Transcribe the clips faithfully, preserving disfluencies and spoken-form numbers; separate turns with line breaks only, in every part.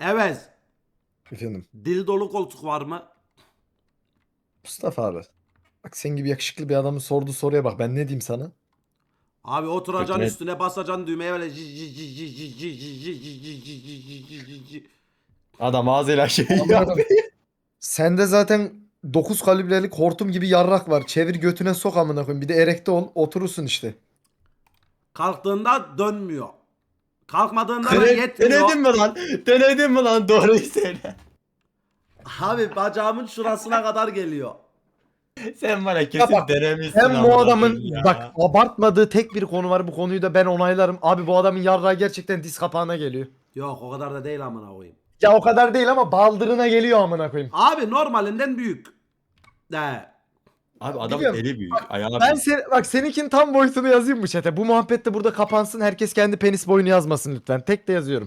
Evet.
Efendim.
Dil dolu koltuk var mı?
Mustafa abi. Bak sen gibi yakışıklı bir adamın sorduğu soruya bak. Ben ne diyeyim sana?
Abi oturacaksın
Götüne-
üstüne basacaksın düğmeye böyle ji- ji- ji- ji- ji- ji- ji- ji- ji- ji- ji- ji- ji- ji- ji.
Adam ağzıyla şey
Amına
yap.
koyayım. Sende zaten dokuz kalibrelik hortum gibi yarrak var. Çevir götüne sok amına koyayım. Bir de erekte ol, oturursun işte.
Kalktığında dönmüyor. Kalkmadığında da
Dene-
yetmiyor.
Denedin mi lan? Denedin mi lan? Doğruyu söyle.
Abi bacağımın şurasına kadar geliyor.
Sen bana kesin
bak,
denemişsin.
Hem bu
amına
adamın
koyayım ya.
bak abartmadığı tek bir konu var. Bu konuyu da ben onaylarım. Abi bu adamın yarrağı gerçekten diz kapağına geliyor.
Yok o kadar da değil amına koyayım.
Ya o kadar değil ama baldırına geliyor amına koyayım.
Abi normalinden büyük. De.
Abi adamın
Biliyorum.
eli büyük. Ayağı
Ben
büyük.
sen, bak seninkinin tam boyutunu yazayım mı chat'e? Bu muhabbet de burada kapansın. Herkes kendi penis boyunu yazmasın lütfen. Tek de yazıyorum.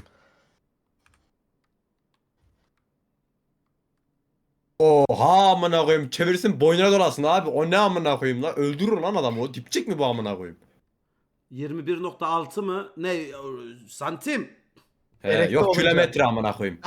Oha amına koyayım. Çevirsin boynuna dolasın abi. O ne amına koyayım lan? Öldürür lan adamı. O dipçik mi bu amına koyayım?
yirmi bir nokta altı mı? Ne? Santim?
He,
Erekte
yok
olunca.
kilometre amına koyayım.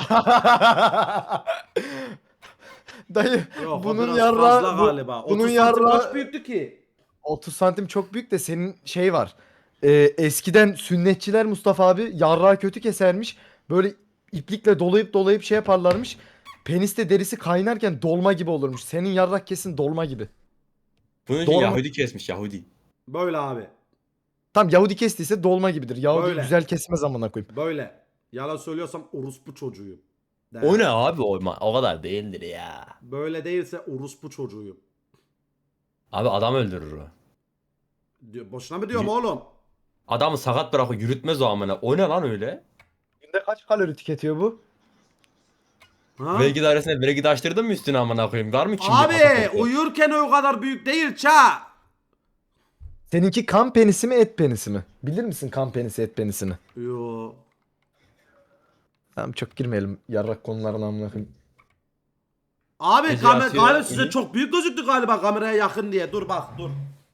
Dayı
Yok
bunun
o biraz
yarrağı
fazla
bu-
galiba.
bunun
otuz santim
yarrağı
kaç büyüktü ki?
otuz santim çok büyük de senin şey var. Ee, eskiden sünnetçiler Mustafa abi yarrağı kötü kesermiş. Böyle iplikle dolayıp dolayıp şey yaparlarmış. Peniste derisi kaynarken dolma gibi olurmuş. Senin yarrak kesin dolma gibi.
Bunun için
Doğru.
Yahudi kesmiş Yahudi.
Böyle abi.
Tam Yahudi kestiyse dolma gibidir. Yahudi
Böyle.
güzel kesmez amına koyayım.
Böyle. Yalan söylüyorsam orospu çocuğuyum. De.
O ne abi o, o kadar değildir ya.
Böyle değilse orospu çocuğuyum.
Abi adam öldürür o.
Diyor, boşuna mı diyorum
Y-
oğlum?
Adamı sakat bırakır yürütmez o amına. O ne lan öyle?
Günde kaç kalori tüketiyor bu?
Ha?
Vergi dairesine vergi açtırdın mı üstüne amına koyayım? Var mı kimlik?
Abi
pasaportu?
uyurken o kadar büyük değil ça.
Seninki kan penisi mi et penisi mi? Bilir misin kan penisi et penisini?
Yo.
Tamam çok girmeyelim yarrak konularına amına koyayım.
Abi
Gece
kamera
yatıyor,
galiba size
uyuyor.
çok büyük gözüktü galiba kameraya yakın diye. Dur bak dur.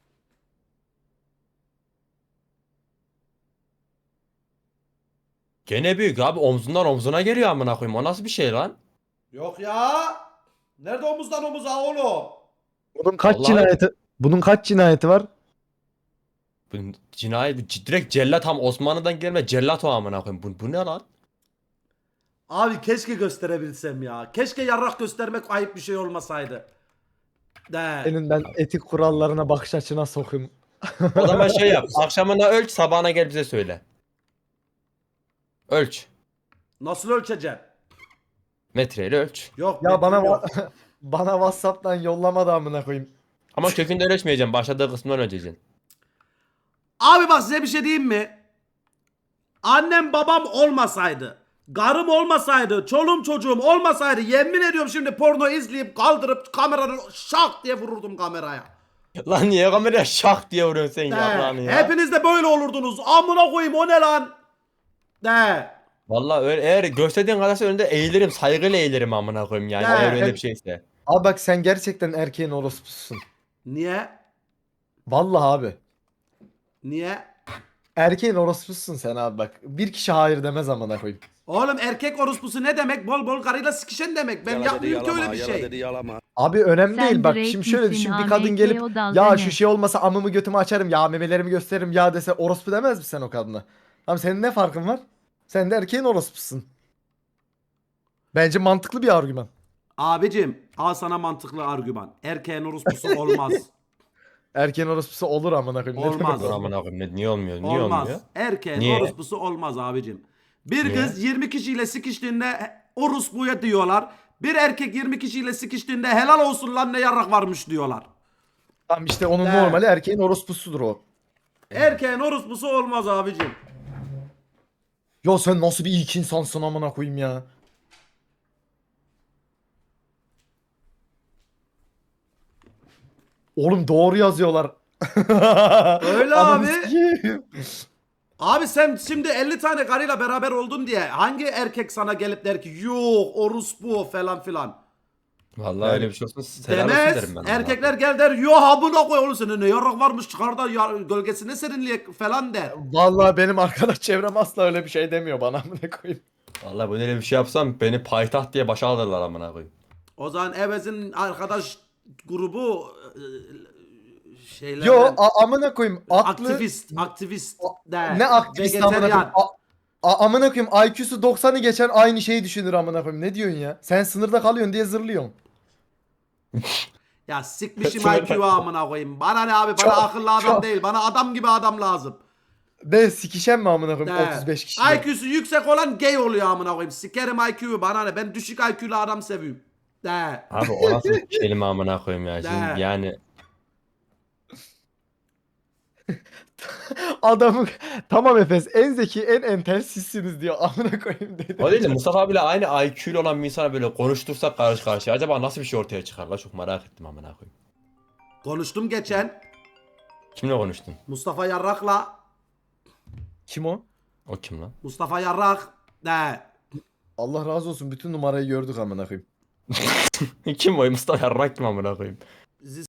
Gene büyük abi omzundan omzuna geliyor amına koyayım. O nasıl bir şey lan?
Yok ya. Nerede omuzdan omuza oğlum?
Bunun kaç
Vallahi-
cinayeti bunun kaç cinayeti var?
Bu cinayet bu c- direkt cellat tam Osmanlı'dan gelme cellat o amına koyayım. Bu, bu ne lan?
Abi keşke gösterebilsem ya. Keşke yarrak göstermek ayıp bir şey olmasaydı. De.
Senin ben etik kurallarına bakış açına sokayım.
O zaman şey yap. Akşamına ölç, sabahına gel bize söyle. Ölç.
Nasıl ölçeceğim?
Metreyle ölç.
Yok.
Ya bana
metrim yok.
wa- bana WhatsApp'tan yollama da amına koyayım.
Ama kökünden ölçmeyeceğim. Başladığı kısmından ölçeceksin.
Abi bak size bir şey diyeyim mi? Annem babam olmasaydı, karım olmasaydı, çoluğum çocuğum olmasaydı yemin ediyorum şimdi porno izleyip kaldırıp kameranın şak diye vururdum kameraya.
Lan niye kameraya şak diye vuruyorsun sen
De.
yaprağını ya?
Hepiniz de böyle olurdunuz. Amına koyayım o ne lan? De.
Vallahi öyle, eğer gösterdiğin kadarsa önünde eğilirim. Saygıyla eğilirim amına koyayım yani.
Ya,
Eğer öyle
ben-
bir şeyse.
Abi bak sen gerçekten erkeğin orospususun.
Niye?
Vallahi abi.
Niye?
Erkeğin orospususun sen abi bak. Bir kişi hayır demez amına koyayım.
Oğlum erkek orospusu ne demek? Bol bol karıyla sikişen demek. Ben
Yala dedi
yapmıyorum ki
yalama,
öyle bir
yala
şey.
dedi yalama.
Abi önemli
Sen
değil bak
Drake
şimdi şöyle
misin?
düşün bir
A M
kadın
K
gelip
o dalga
ya
ne?
şu şey olmasa amımı götümü açarım ya memelerimi gösteririm ya dese orospu demez misin sen o kadına? Tamam senin ne farkın var? Sen de erkeğin orospusun. Bence mantıklı bir argüman.
Abicim al sana mantıklı argüman. Erkeğin orospusu olmaz.
Erkeğin orospusu olur amına koyayım. Ne
Olmaz.
Dur amına koyayım. Ne- Niye olmuyor? Niye
Olmaz.
olmuyor?
Erkeğin
Niye?
orospusu olmaz abicim. Bir
Niye?
kız yirmi kişiyle sikiştiğinde orospuya diyorlar. Bir erkek yirmi kişiyle sikiştiğinde helal olsun lan ne yarrak varmış diyorlar.
Tamam işte onun
De.
normali erkeğin orospusudur o.
Erkeğin orospusu olmaz abicim.
Ya sen nasıl bir ilk insansın amına koyayım ya. Oğlum doğru yazıyorlar.
Öyle
Ananı
abi.
sikeyim.
Abi sen şimdi elli tane karıyla beraber oldun diye hangi erkek sana gelip der ki yok orospu falan filan.
Vallahi öyle bir şey olsun. Helal olsun
Demez.
derim ben.
Erkekler gel der yo ha buna koy oğlum senin ne yarrak varmış çıkar da ya, gölgesine serinleyek falan der.
Vallahi benim arkadaş çevrem asla öyle bir şey demiyor bana amına koyayım.
Vallahi bu öyle bir şey yapsam beni payitaht diye başa alırlar amına koyayım.
O zaman Evez'in arkadaş grubu e, şeylerden
Yo a- amına koyayım aklı
aktivist, aktivist de,
ne aktivist amına koyayım.
vejeteryan.
A- a- amına koyayım I Q'su doksanı geçen aynı şeyi düşünür amına koyayım. Ne diyorsun ya? Sen sınırda kalıyorsun diye zırlıyorsun.
Ya sikmişim I Q'yu amına koyayım. Bana ne abi? Bana
Çok,
akıllı adam
çok.
değil. Bana adam gibi adam lazım.
De sikişen mi amına koyayım
De.
otuz beş kişi.
I Q'su yüksek olan gay oluyor amına koyayım. Sikerim I Q'yu bana ne? Ben düşük I Q'lu adam seviyorum. De.
Abi o nasıl bir kelime amına koyayım ya. Şimdi
Ne?
yani
Adamı tamam Efes en zeki en entel sizsiniz diyor amına koyayım dedi.
o değil de Mustafa abiyle aynı I Q'lu olan bir insana böyle konuştursak karşı karşıya acaba nasıl bir şey ortaya çıkar la çok merak ettim amına koyayım.
Konuştum geçen.
Kimle konuştun?
Mustafa Yarrak'la.
Kim o?
O kim lan?
Mustafa Yarrak. De.
Allah razı olsun bütün numarayı gördük amına koyayım.
Kim o? Mustafa Yarrak kim amına koyayım?